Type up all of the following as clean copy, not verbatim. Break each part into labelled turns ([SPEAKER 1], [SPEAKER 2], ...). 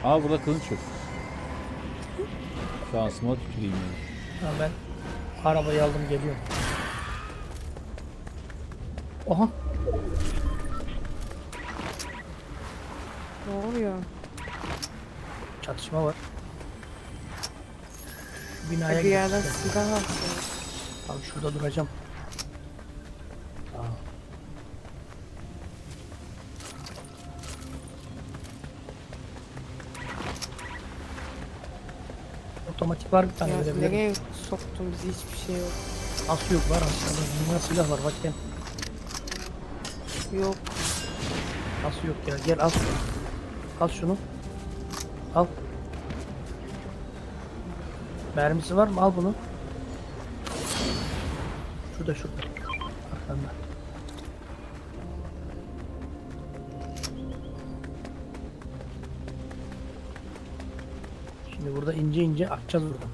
[SPEAKER 1] Aa burada kılıç yok. Şansıma tüküreyim yani.
[SPEAKER 2] Ha, ben arabayı aldım geliyorum. Oha.
[SPEAKER 3] Ne oluyor?
[SPEAKER 2] Çatışma var. Şu binaya
[SPEAKER 3] Bir yerden
[SPEAKER 2] gideceğim.
[SPEAKER 3] silah atıyor.
[SPEAKER 2] Abi şurada duracağım. Aa. Otomatik var bir tane
[SPEAKER 3] Ya,
[SPEAKER 2] verebilirim.
[SPEAKER 3] nereye soktun bizi, hiçbir şey yok.
[SPEAKER 2] Nasıl yok var aslında. Dünya silah var bak gel.
[SPEAKER 3] Yok.
[SPEAKER 2] Nasıl yok ya gel al. Al şunu. Al. Mermisi var mı? Al bunu. Şurada şurada. Arkanda. Şimdi burada ince ince atacağız buradan.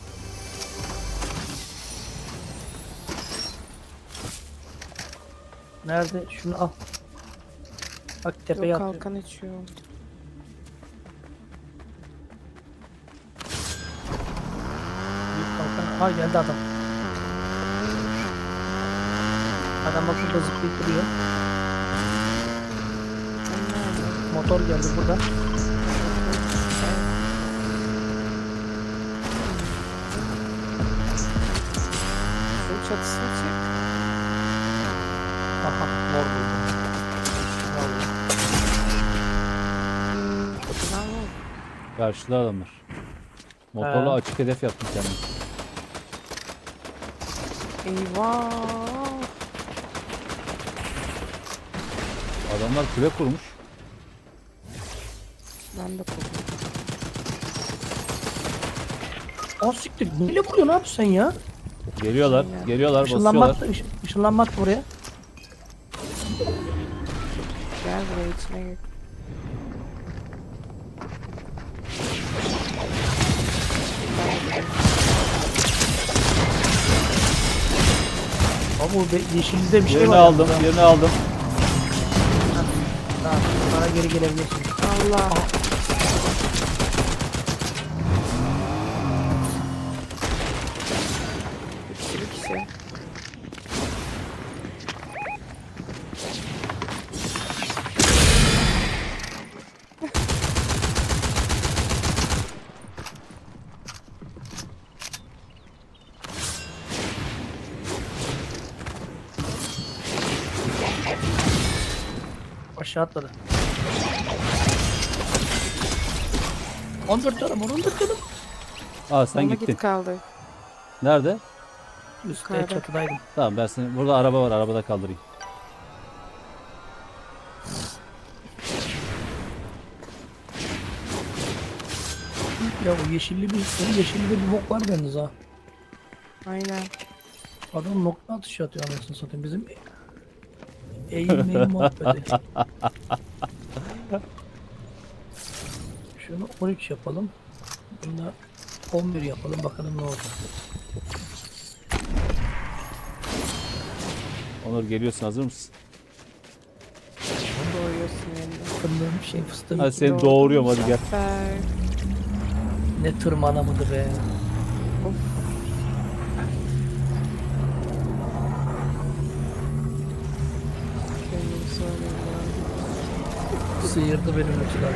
[SPEAKER 2] Nerede? Şunu al. Bak tepeye
[SPEAKER 3] Yok,
[SPEAKER 2] atıyor.
[SPEAKER 3] kalkan içiyor.
[SPEAKER 2] Büyük kalkan. Ha geldi adam. Adam bak burada zıplayıp duruyor. Motor geldi burada.
[SPEAKER 3] Şu çatısına çık.
[SPEAKER 2] Aha mor buldu.
[SPEAKER 3] Çatıdan mı?
[SPEAKER 1] Karşıda adamlar. Motorla
[SPEAKER 2] He.
[SPEAKER 1] açık hedef yaptım kendimi.
[SPEAKER 3] Eyvah.
[SPEAKER 1] Adamlar kule kurmuş.
[SPEAKER 3] Ben de korktum.
[SPEAKER 2] Aa siktir. Neyle vuruyorsun abi sen ya?
[SPEAKER 1] Geliyorlar,
[SPEAKER 3] Aynen.
[SPEAKER 1] geliyorlar,
[SPEAKER 2] Işınlanma
[SPEAKER 1] basıyorlar.
[SPEAKER 2] attı. Işınlanma attı buraya.
[SPEAKER 3] Gel buraya, içine gir.
[SPEAKER 2] Abi o yeşilde bir şey
[SPEAKER 1] Yerini
[SPEAKER 2] var.
[SPEAKER 1] aldım, yerini aldım.
[SPEAKER 2] Tamam. Bana geri gelebilirsin.
[SPEAKER 3] Allah. Bir sürü kişi.
[SPEAKER 2] Aşağı atladı. 14 canım, 14 canım.
[SPEAKER 1] Aa sen
[SPEAKER 3] Ona
[SPEAKER 1] gittin.
[SPEAKER 3] git kaldı.
[SPEAKER 1] Nerede?
[SPEAKER 2] Üstte
[SPEAKER 3] Yukarıda.
[SPEAKER 2] çatıdaydım.
[SPEAKER 1] Tamam ben seni... Burada araba var, arabada kaldırayım.
[SPEAKER 2] Ya o yeşilli bir bok var bende ha.
[SPEAKER 3] Aynen.
[SPEAKER 2] Adam nokta atışı atıyor anasını satayım. Bizim eğim muhabbeti. Şunu 13 yapalım. Bunu da 11 yapalım bakalım ne olacak.
[SPEAKER 1] Onur geliyorsun, hazır mısın?
[SPEAKER 3] Doğuyorsun yerine.
[SPEAKER 2] Fındığım şey fıstığım
[SPEAKER 1] Hadi seni doğuruyorum, hadi gel.
[SPEAKER 3] Zafer.
[SPEAKER 2] ne tırmana mıdır be.
[SPEAKER 3] Of. Kendimi söylüyorum.
[SPEAKER 2] Sıyırdı benim uçları.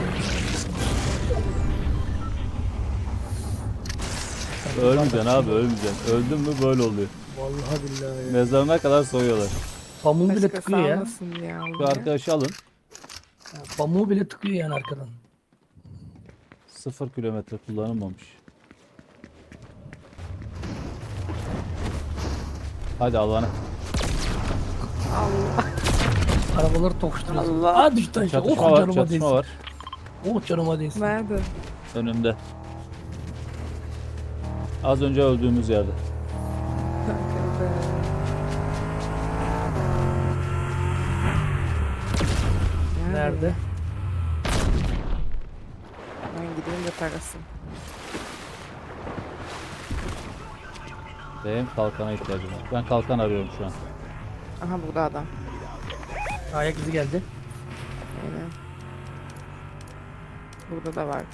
[SPEAKER 1] Ölmeyeceksin abi, ölmeyeceksin. Öldün mü böyle oluyor.
[SPEAKER 2] Vallahi billahi ya.
[SPEAKER 1] Mezarına kadar soyuyorlar.
[SPEAKER 2] Pamuğu bile
[SPEAKER 3] Başka
[SPEAKER 2] tıkıyor ya.
[SPEAKER 3] salmasın ya.
[SPEAKER 1] Şu arkadaşı alın.
[SPEAKER 2] Ya, pamuğu bile tıkıyor yani arkadan.
[SPEAKER 1] 0 kilometre kullanılmamış. Hadi Allah'ına.
[SPEAKER 3] Allah.
[SPEAKER 2] Arabaları tokuşturuyorsun.
[SPEAKER 3] Allah.
[SPEAKER 2] Aa düştü aşağı.
[SPEAKER 1] Çatışma
[SPEAKER 2] Oh
[SPEAKER 1] var,
[SPEAKER 2] canıma
[SPEAKER 1] çatışma
[SPEAKER 2] değsin.
[SPEAKER 1] var.
[SPEAKER 2] Oh canıma değsin.
[SPEAKER 3] Nerede?
[SPEAKER 1] Önümde. Az önce öldüğümüz yerde.
[SPEAKER 3] Arkada.
[SPEAKER 2] Nerede?
[SPEAKER 3] Ben gideyim de tarasın.
[SPEAKER 1] Benim kalkana ihtiyacım var. Ben kalkan arıyorum şu an.
[SPEAKER 3] Aha burada adam.
[SPEAKER 2] Ayak izi geldi.
[SPEAKER 3] Aynen. Burada da var.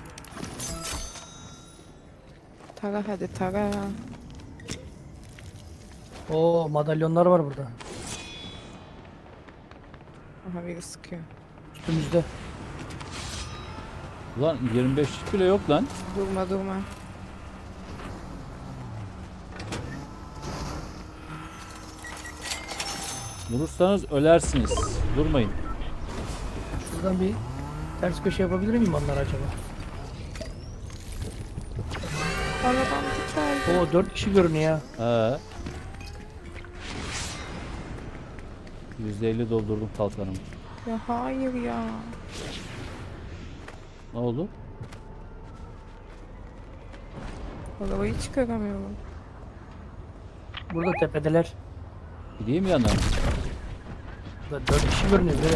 [SPEAKER 3] Tara hadi tara.
[SPEAKER 2] Oo, madalyonlar var burada.
[SPEAKER 3] Aha biri sıkıyor.
[SPEAKER 2] Üstümüzde.
[SPEAKER 1] Ulan 25 bile yok lan.
[SPEAKER 3] Durma durma.
[SPEAKER 1] Vurursanız ölersiniz. Durmayın.
[SPEAKER 2] Şuradan bir ters köşe yapabilir miyim onlar acaba?
[SPEAKER 3] Aradan geldi.
[SPEAKER 2] Oo, 4 kişi görünüyor ya.
[SPEAKER 1] %50 doldurdum kalkanımı.
[SPEAKER 3] Ya hayır ya.
[SPEAKER 1] Ne oldu?
[SPEAKER 3] Arabayı çıkaramıyorum.
[SPEAKER 2] Burada tepedeler.
[SPEAKER 1] Gideyim yanına.
[SPEAKER 2] Burada 4 kişi görünüyor. Evet.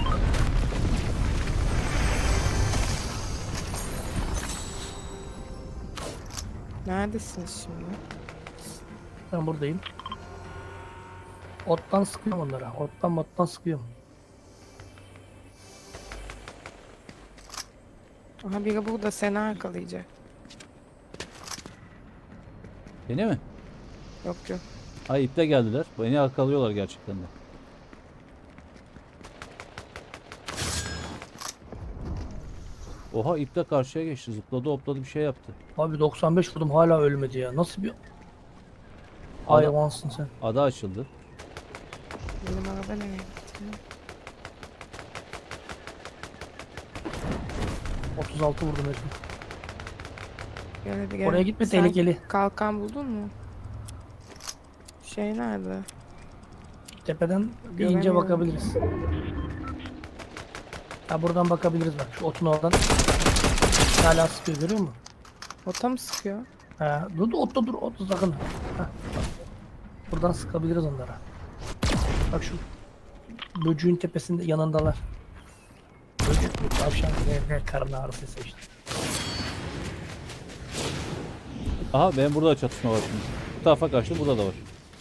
[SPEAKER 3] Neredesiniz şimdi?
[SPEAKER 2] Ben buradayım. Ottan sıkıyorum onlara. Ottan sıkıyorum.
[SPEAKER 3] Aha biri burada seni arkalayacak.
[SPEAKER 1] Beni mi?
[SPEAKER 3] Yok yok.
[SPEAKER 1] Ay iple geldiler. Beni arkalıyorlar gerçekten de. Oha iple karşıya geçti. Zıpladı hopladı bir şey yaptı.
[SPEAKER 2] Abi 95 vurdum hala ölmedi ya. Nasıl bir hayvansın sen.
[SPEAKER 1] Ada açıldı.
[SPEAKER 3] Benim araba nereye gitti?
[SPEAKER 2] 36 vurdum herifi.
[SPEAKER 3] Gel hadi gel.
[SPEAKER 2] Oraya gitme,
[SPEAKER 3] Sen
[SPEAKER 2] tehlikeli.
[SPEAKER 3] kalkan buldun mu? Şey nerede?
[SPEAKER 2] Tepeden bir ince
[SPEAKER 3] Göremiyorum.
[SPEAKER 2] bakabiliriz. Ha, buradan bakabiliriz bak. Şu otun oradan. Hala sıkıyor, görüyor musun?
[SPEAKER 3] Ota mı sıkıyor?
[SPEAKER 2] Ha, dur otta dur, otta sakın. Ha. Buradan sıkabiliriz onlara. Bak şu böcüğün tepesinde yanındalar. Böcük mü? Tavşan mı? Ne karın ağrısı işte.
[SPEAKER 1] Aha benim burada da çatışma var şimdi. Bu tarafa kaçtı burada da var.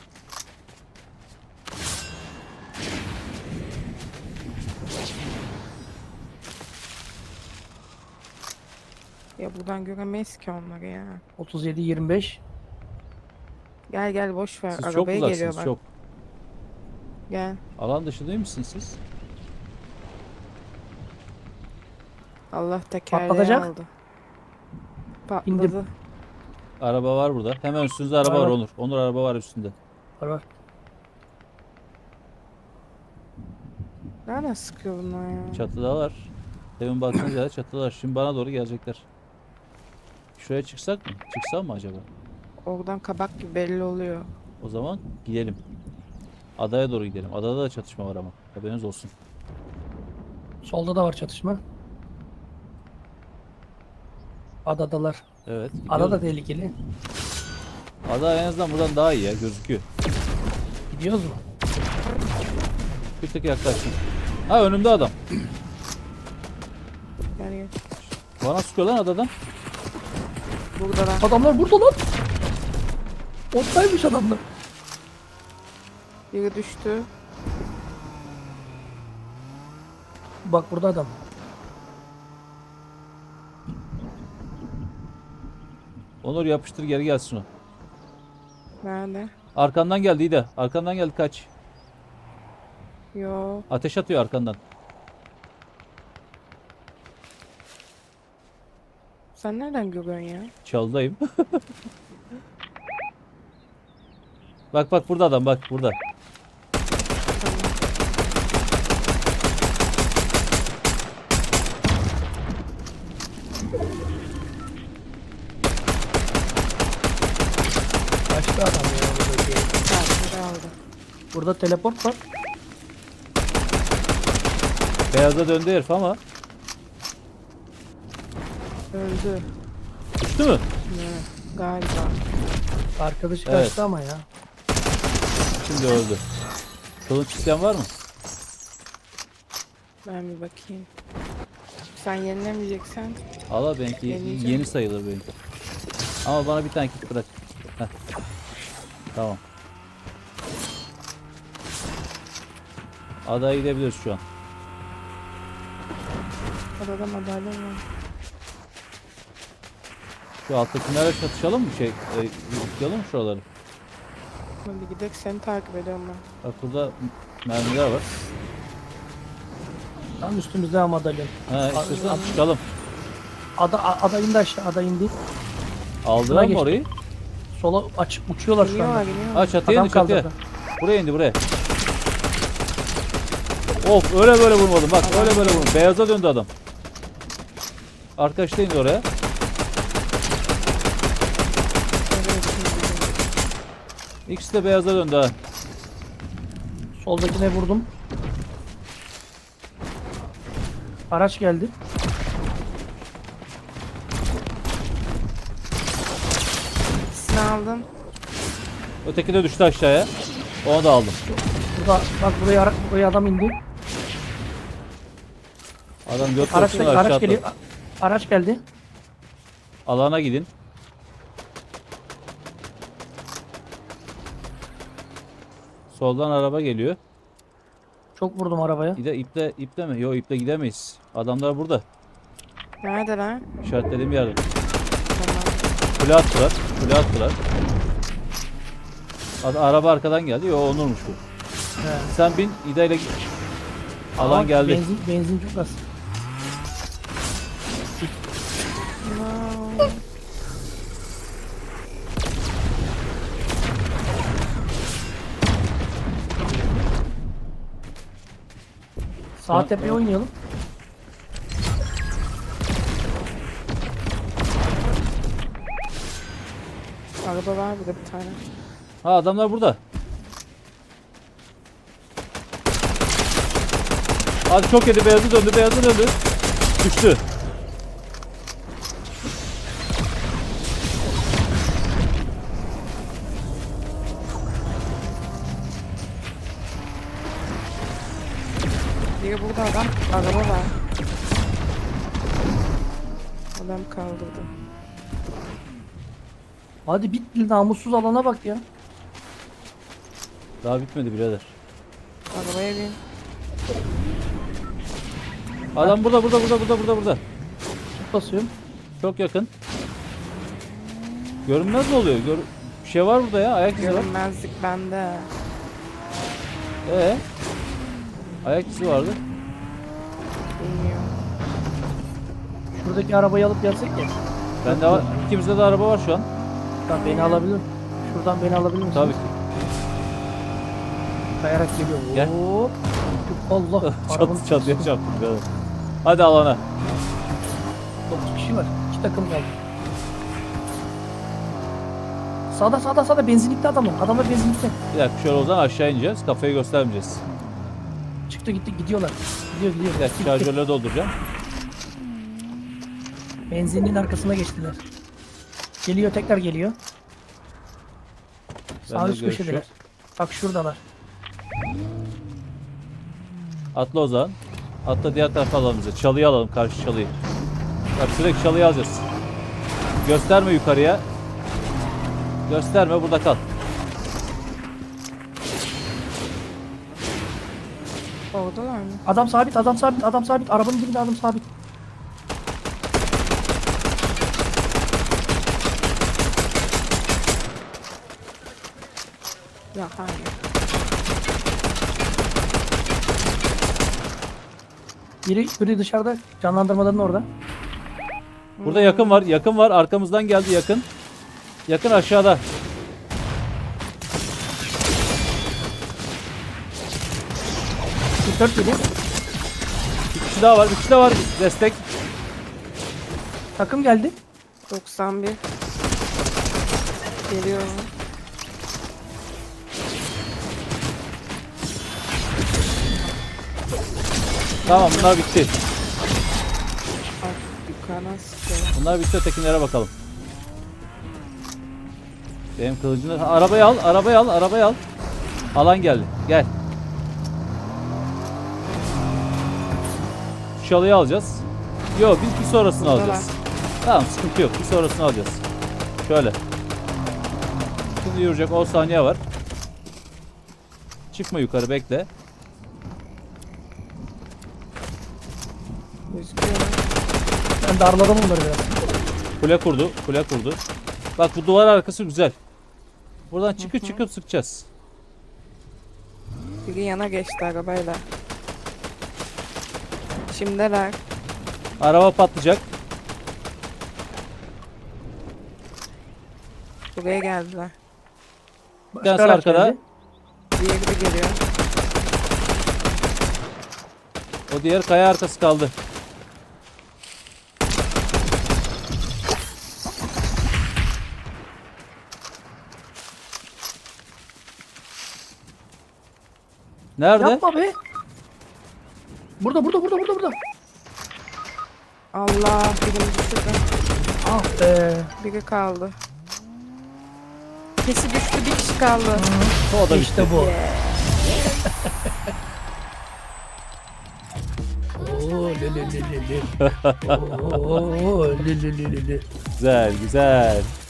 [SPEAKER 3] Ya buradan göremeyiz ki onları ya.
[SPEAKER 2] 37-25.
[SPEAKER 3] Gel gel boş ver.
[SPEAKER 1] Siz çok
[SPEAKER 3] Arabaya geliyor
[SPEAKER 1] uzaksınız
[SPEAKER 3] bak.
[SPEAKER 1] çok.
[SPEAKER 3] Gel.
[SPEAKER 1] Alan dışı değil misiniz siz?
[SPEAKER 3] Allah tekerleği
[SPEAKER 2] Patlatacak.
[SPEAKER 3] aldı. Patladı.
[SPEAKER 2] İndim.
[SPEAKER 1] Araba var burada. Hemen üstünüzde araba
[SPEAKER 2] Var,
[SPEAKER 1] var
[SPEAKER 2] var.
[SPEAKER 1] Onur. Onur araba var üstünde.
[SPEAKER 2] Var var.
[SPEAKER 3] Nereden sıkıyor bunlar ya?
[SPEAKER 1] Çatıdalar. Demin baktığınız yerde çatıdalar. Şimdi bana doğru gelecekler. Şuraya çıksak mı? Çıksam mı acaba?
[SPEAKER 3] Oradan kabak gibi belli oluyor.
[SPEAKER 1] O zaman gidelim. Adaya doğru gidelim. Adada da çatışma var ama. Haberiniz olsun.
[SPEAKER 2] Solda da var çatışma. Adadalar.
[SPEAKER 1] Evet.
[SPEAKER 2] Ada da
[SPEAKER 1] gidiyoruz.
[SPEAKER 2] tehlikeli.
[SPEAKER 1] Ada en azından buradan daha iyi ya gözüküyor.
[SPEAKER 2] Gidiyoruz mu?
[SPEAKER 1] Bir tık yaklaştım. Ha önümde adam.
[SPEAKER 3] Gel gel.
[SPEAKER 1] Bana sıkıyor lan adadan.
[SPEAKER 3] Burada lan.
[SPEAKER 2] Adamlar burada lan. Ottaymış adamlar.
[SPEAKER 3] Biri düştü.
[SPEAKER 2] Bak burada adam.
[SPEAKER 1] Onur yapıştır geri gelsin o.
[SPEAKER 3] Nerede?
[SPEAKER 1] Arkandan geldi İda. Arkandan geldi kaç.
[SPEAKER 3] Yo.
[SPEAKER 1] Ateş atıyor arkandan.
[SPEAKER 3] Sen nereden görüyorsun ya?
[SPEAKER 1] Çalıdayım. Bak bak burada adam bak burada.
[SPEAKER 3] Tamam.
[SPEAKER 2] Kaçtı adam ya. Buradaki.
[SPEAKER 3] Biri aldı.
[SPEAKER 2] Burada teleport var.
[SPEAKER 1] Beyaza döndü herif ama.
[SPEAKER 3] Öldü.
[SPEAKER 1] Düştü mü?
[SPEAKER 3] Ne? Galiba.
[SPEAKER 2] Arkadaşı
[SPEAKER 1] Evet.
[SPEAKER 2] kaçtı ama ya.
[SPEAKER 1] Şimdi öldü. Kılıç isteyen var mı?
[SPEAKER 3] Ben bir bakayım. Sen yenilemeyeceksen
[SPEAKER 1] Allah benimki
[SPEAKER 3] Deneyeceğim.
[SPEAKER 1] yeni sayılır benimki. Ama bana bir tane kit bırak. Heh. Tamam. Adaya gidebiliriz şu an.
[SPEAKER 3] adada madalya var.
[SPEAKER 1] Şu alttakilerle çatışalım mı? Yıkayalım mı şuraları?
[SPEAKER 3] Hadi gidelim, seni takip ediyorum ben.
[SPEAKER 1] Bak burada mermiler var.
[SPEAKER 2] Tam üstümüzde ama madalyon.
[SPEAKER 1] Ha istiyorsan çıkalım.
[SPEAKER 2] Ada indi aşağı. Ada indi.
[SPEAKER 1] Aldılar mı
[SPEAKER 2] geçti.
[SPEAKER 1] orayı?
[SPEAKER 2] Sola açıp uçuyorlar şu
[SPEAKER 3] Geliyorlar,
[SPEAKER 2] anda.
[SPEAKER 3] geliyorlar.
[SPEAKER 1] Ha çatıya
[SPEAKER 2] Adam
[SPEAKER 1] indi çatıya.
[SPEAKER 2] kaldırdı.
[SPEAKER 1] Buraya indi buraya. Of öyle böyle vurmadım bak öyle böyle vurmadım. Beyaza döndü adam. Arkadaş da indi oraya. İkisi de beyaza döndü ha.
[SPEAKER 2] Soldakine vurdum. Araç geldi.
[SPEAKER 3] İkisini aldım.
[SPEAKER 1] Öteki de düştü aşağıya. Onu da aldım.
[SPEAKER 2] Burada bak buraya adam indi.
[SPEAKER 1] Adam göt
[SPEAKER 2] Araç,
[SPEAKER 1] korkusuna aşağı
[SPEAKER 2] araç
[SPEAKER 1] atladı.
[SPEAKER 2] geliyor. Araç geldi.
[SPEAKER 1] Alana gidin. Soldan araba geliyor.
[SPEAKER 2] Çok vurdum arabaya.
[SPEAKER 1] İple mi? Yok iple gidemeyiz. Adamlar burada.
[SPEAKER 3] Neredeler?
[SPEAKER 1] İşaretlediğim yerde.
[SPEAKER 3] Tamam.
[SPEAKER 1] Kule attılar. Kule attılar. Araba arkadan geldi. Yo Onur'muş bu.
[SPEAKER 2] He.
[SPEAKER 1] Sen bin İda ile git. Alan
[SPEAKER 2] Ama
[SPEAKER 1] geldi.
[SPEAKER 2] Benzin çok az.
[SPEAKER 3] No.
[SPEAKER 2] Sağ tepeye oynayalım.
[SPEAKER 3] Araba var burada bir tane.
[SPEAKER 1] Ha adamlar burada. Hadi çok yedi beyazı döndü beyazı döndü. Düştü.
[SPEAKER 3] Biri burada adam. Araba var. Adam kaldırdı.
[SPEAKER 2] Hadi bitti namussuz alana bak ya.
[SPEAKER 1] Daha bitmedi birader.
[SPEAKER 3] Arabaya bin.
[SPEAKER 1] Adam burada.
[SPEAKER 2] Tut basıyorum.
[SPEAKER 1] Çok yakın. Görünmez mi oluyor? Bir şey var burada ya. Ayak izi var.
[SPEAKER 3] Görünmezlik bende.
[SPEAKER 1] Ayak izi vardı.
[SPEAKER 3] Bilmiyorum.
[SPEAKER 2] Şuradaki arabayı alıp gelsek ya.
[SPEAKER 1] Bende var. İkimizde de araba var şu an.
[SPEAKER 2] Şuradan beni alabilir. Şuradan beni alabilir misin?
[SPEAKER 1] Tabii ki.
[SPEAKER 2] Kayarak geliyor.
[SPEAKER 1] Gel.
[SPEAKER 2] Hop. Allah. Arabanın
[SPEAKER 1] Çatıya çarptım birader. Hadi alana.
[SPEAKER 2] 9 kişi var. 2 takım kaldı. Sağda benzinlikte adamlar. Adamlar benzinlikte.
[SPEAKER 1] Bir dakika şöyle o zaman aşağı ineceğiz. Kafayı göstermeyeceğiz.
[SPEAKER 2] Çıktı gitti gidiyorlar. Gidiyor.
[SPEAKER 1] Bir dakika
[SPEAKER 2] Gitti.
[SPEAKER 1] şarjörleri dolduracağım.
[SPEAKER 2] Benzinliğin arkasına geçtiler. Geliyor tekrar geliyor. Sağ
[SPEAKER 1] Bende
[SPEAKER 2] üst
[SPEAKER 1] görüş
[SPEAKER 2] köşedeler.
[SPEAKER 1] yok.
[SPEAKER 2] Bak şuradalar.
[SPEAKER 1] Atla o zaman. Atla diğer tarafa alalım bize. Çalıyı alalım karşı çalıyı. Bak sürekli çalıyı alacağız. Gösterme yukarıya. Gösterme burada kal.
[SPEAKER 3] Oradalar mı?
[SPEAKER 2] Adam sabit. Arabanın dibinde adam sabit.
[SPEAKER 3] Ya hayır.
[SPEAKER 2] Biri dışarıda canlandırmaların orada.
[SPEAKER 1] Burada yakın var. Yakın var. Arkamızdan geldi yakın. Yakın aşağıda.
[SPEAKER 2] Bir 4 geliyor.
[SPEAKER 1] Bir kişi daha var. Bir kişi daha var. Destek.
[SPEAKER 2] Takım geldi.
[SPEAKER 3] 91. Geliyorum.
[SPEAKER 1] Tamam bunlar bitti.
[SPEAKER 3] Bak yukarıdan sıkıyor.
[SPEAKER 1] Bunlar bitti. Ötekilere bakalım. Benim kılıcını... Ha, arabayı al. Alan geldi. Gel. Şu çalıyı alacağız. Yok biz bir sonrasını
[SPEAKER 3] Buradalar.
[SPEAKER 1] alacağız. Tamam sıkıntı yok. Bir sonrasını alacağız. Şöyle. Şimdi yürüyecek 10 saniye var. Çıkma yukarı bekle.
[SPEAKER 3] Gözüküyor.
[SPEAKER 2] Ben darladım onları biraz.
[SPEAKER 1] Kule kurdu. Kule kurdu. Bak bu duvar arkası güzel. Buradan çıkıp çıkıp sıkacağız.
[SPEAKER 3] Biri yana geçti arabayla. Şimdiler.
[SPEAKER 1] Araba patlayacak.
[SPEAKER 3] Buraya geldiler.
[SPEAKER 1] Bir tanesi
[SPEAKER 2] araç
[SPEAKER 1] arkada.
[SPEAKER 2] geldi.
[SPEAKER 3] Diğeri de geliyor.
[SPEAKER 1] O diğer kaya arkası kaldı. Nerede?
[SPEAKER 2] Yapma be. Burada.
[SPEAKER 3] Allah, birini düşürdü.
[SPEAKER 2] Ah be.
[SPEAKER 3] Biri kaldı. Kesi düştü, bir kişi kaldı.
[SPEAKER 1] O da
[SPEAKER 2] İşte
[SPEAKER 1] bitti.
[SPEAKER 2] bu.
[SPEAKER 3] Yeah.
[SPEAKER 2] Oo, le le le le le. Oo, le le le le le.
[SPEAKER 1] Güzel güzel.